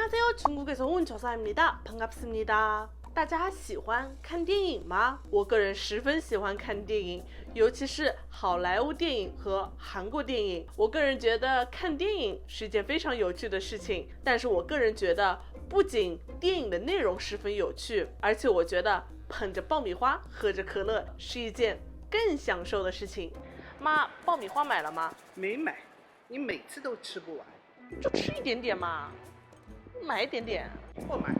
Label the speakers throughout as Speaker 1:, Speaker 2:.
Speaker 1: 안녕하세요. 중국에서 온 저사입니다. 반갑습니다. 大家喜欢看电影吗？我个人十分喜欢看电影，尤其是好莱坞电影和韩国电影。我个人觉得看电影是一件非常有趣的事情，但是我个人觉得不仅电影的内容十分有趣，而且我觉得捧着爆米花喝着可乐是一件更享受的事情。妈，爆米花买了吗？
Speaker 2: 没买，你每次都吃不完。
Speaker 1: 就吃一点点嘛，买一点点。
Speaker 2: 不买。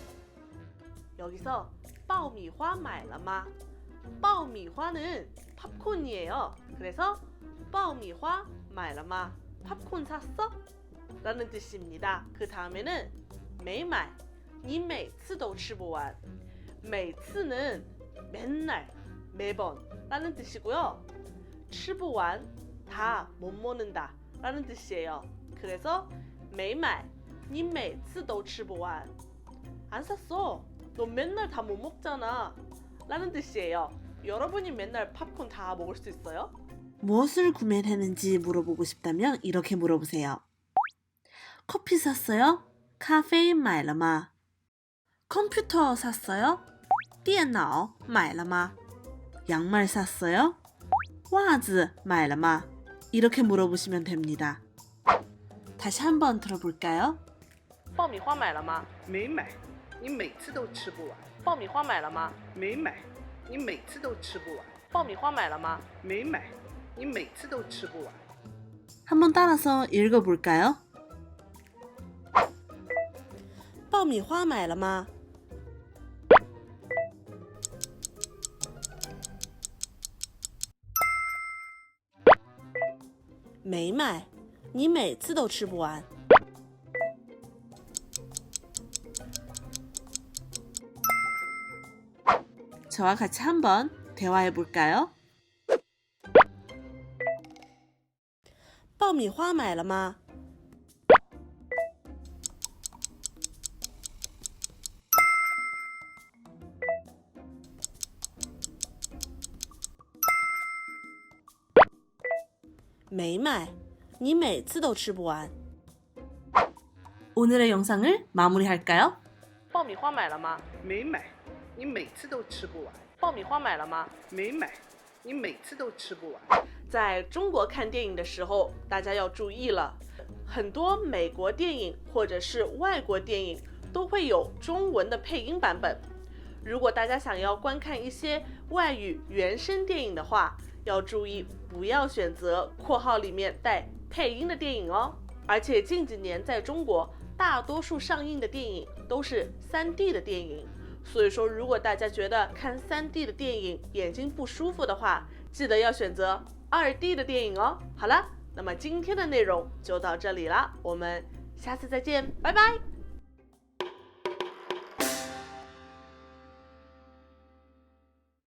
Speaker 1: 여기서爆米花买了吗？爆米花는 팝콘이에요. 그래서 爆米花买了吗？ 팝콘 샀어? 라는 뜻입니다. 그 다음에는 没买，你每次都吃不完。每次는 맨날, 매번 라는 뜻이고요. 吃不完, 다 못 먹는다 라는 뜻이에요. 그래서 没买，你每次都吃不完。안 샀어. 너 맨날 다 못 먹잖아. 라는 뜻이에요. 여러분이 맨날 팝콘 다 먹을 수 있어요?
Speaker 3: 무엇을 구매했는지 물어보고 싶다면 이렇게 물어보세요. 커피 샀어요? 카페인 买了吗? 컴퓨터 샀어요? 电脑买了吗? 양말 샀어요? 袜子买了吗? 이렇게 물어보시면 됩니다. 다시 한번 들어볼까요?
Speaker 1: 爆米花买了吗？
Speaker 2: 没买，你每次都吃不完。
Speaker 1: 爆米花买了吗？
Speaker 2: 没买，你每次都吃不完。
Speaker 1: 爆米花买了吗？
Speaker 2: 没买，你每次都吃不完。
Speaker 3: 한번 따라서 읽어볼까요?
Speaker 1: 爆米花买了吗？没买，你每次都吃不完。
Speaker 3: 저와 같이 한번 대화해볼까요?
Speaker 1: 爆米花买了吗？没买，你每次都吃不完。
Speaker 3: 오늘의 영상을 마무리할까요?
Speaker 1: 爆米花买了吗？
Speaker 2: 没买，你每次都吃不完。
Speaker 1: 爆米花买了吗？
Speaker 2: 没买，你每次都吃不完。
Speaker 1: 在中国看电影的时候，大家要注意了，很多美国电影或者是外国电影都会有中文的配音版本。如果大家想要观看一些外语原声电影的话，要注意不要选择括号里面带配音的电影哦。而且近几年在中国，大多数上映的电影都是3D 的电影。所以说，如果大家觉得看3D 的电影眼睛不舒服的话，记得要选择2D 的电影哦。好了，那么今天的内容就到这里了，我们下次再见，拜拜。